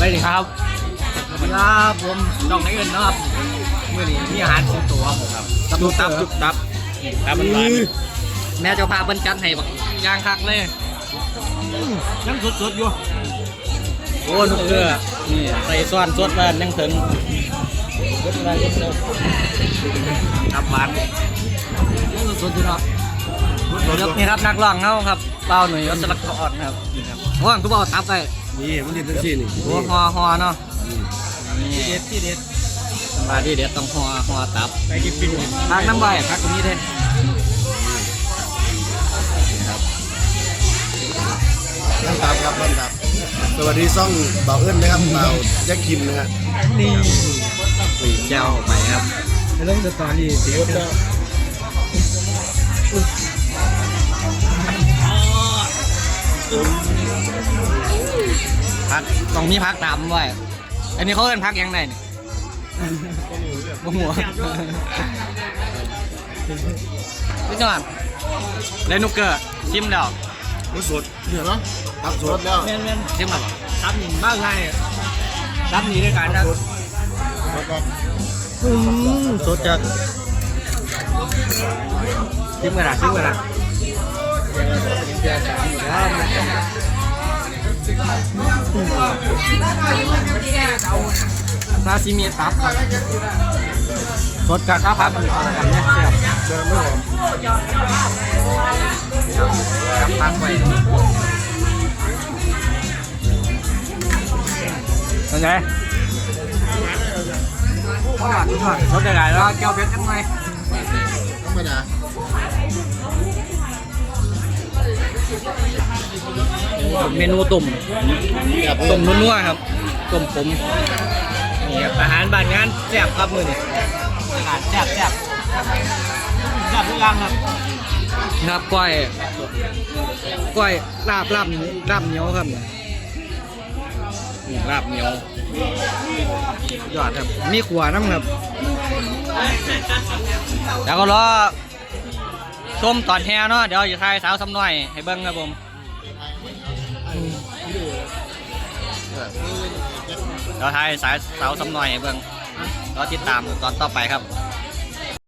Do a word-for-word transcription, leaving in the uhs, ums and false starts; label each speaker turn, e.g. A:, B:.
A: ดิครับสวัสดีครับผมน้องไหนเอิญนะครับเมื่อนี้มีอาหารสิงโตครับจุ๊บตับจุ๊บตับตับมันหวานแม่เจ้าพาเปิ้นจัดให้บักย่างคักเลยยังสดๆอยู่โอ้ลูกเกลือนี่ใส่ซ้อนสดมายังถึงสดมาเยอะเลยตับหวานยังสดๆอยู่เนาะนี่ครับนักร้องเงาครับเป้าหนุ่ยวัชรกรครับว่างทุกเป้าตับไป
B: นี่มันเด็ดทั้งสิ้นนี่
A: โอ้ฮอฮอเนาะที่เด็ดที่เด็ดมาที่เด็ดต้องฮอฮอตับไปกินปิ้งพักน้ำใบพักตรงนี้เท่
B: ต้นตับครับต้นตับสวัสดีซ่องเบาเอิญนะครับเบาแจ็คคิมนะฮะ
A: นี่ปีเจ้าไปครับ
B: เรื่องสตอรี่เสียแล้ว
A: พักต้องมีพักตามด้วยอันนี้เขาเอิ้นพักยังไงเนี่ยหัวหัวพี่จังหวัดเลนุกเกอร์ชิมแล้ว
B: มันสดเดี๋ยวนะตับสดแล้ว
A: เมียนเมียนชิมแบบตับหนีบ้างไงตับหนีด้วยกันนะสดจัดชิมกันนะชิมกันนะซาซิมิตับสดกับข้าวผัดมันกันเนี่ยเสียบ
B: เดินไม่หอม
A: กับพักไปเป็นไงรสได้หลายแล้วแก้วเพชรกันไหม
B: ธรรมดา
A: เมนูตุ่มตุ่มนัวๆครับตุ่มผมนี่ครับอาหารบ้านงานแซ่บครับมือนี่อาหารแซ่บแซ่บแซ่บทุกอย่างครับครับก้อยก้อยลาบลาบลาบเหนียวครับลาบเหนียวยอดครับมีขวาน้ำครับแล้วก็รอชมตอนแฮเนาะเดี๋ยวอยู่ท้ายสาวซ้ำน้อยให้เบิ้งครับผมเราทายสายสาวซ้ำหน่อยเบิ่งเราติดตามตอนต่อไปครับ